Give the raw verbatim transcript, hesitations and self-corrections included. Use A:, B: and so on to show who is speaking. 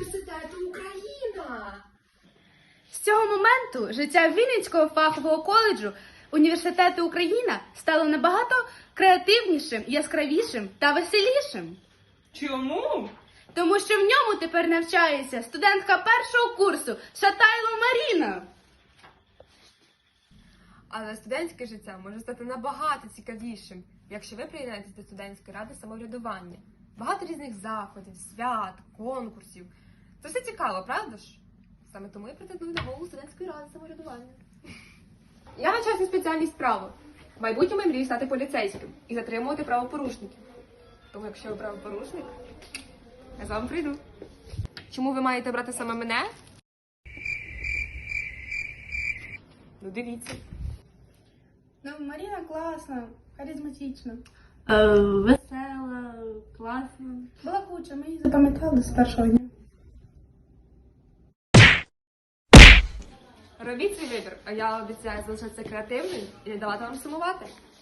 A: університету Україна.
B: З цього моменту життя Вінницького фахового коледжу університету Україна стало набагато креативнішим, яскравішим та веселішим.
C: Чому?
B: Тому що в ньому тепер навчається студентка першого курсу Шатайло Маріна.
A: Але студентське життя може стати набагато цікавішим, якщо ви приєднаєтесь до студентської ради самоврядування. Багато різних заходів, свят, конкурсів. Це все цікаво, правда ж? Саме тому я претендую на голову студентської ради самоврядування. Я навчаюся спеціальність право. В майбутньому я мрію стати поліцейським і затримувати правопорушників. Тому якщо ви правопорушник, я з вами прийду. Чому ви маєте брати саме мене? Ну, дивіться.
B: Ну, Маріна класна, харизматична.
C: Весела, класна.
B: Балакуча, ми її запам'ятали з першого дня.
A: Робіть свій вибір, а я обіцяю залишатися креативною і не давати вам сумувати.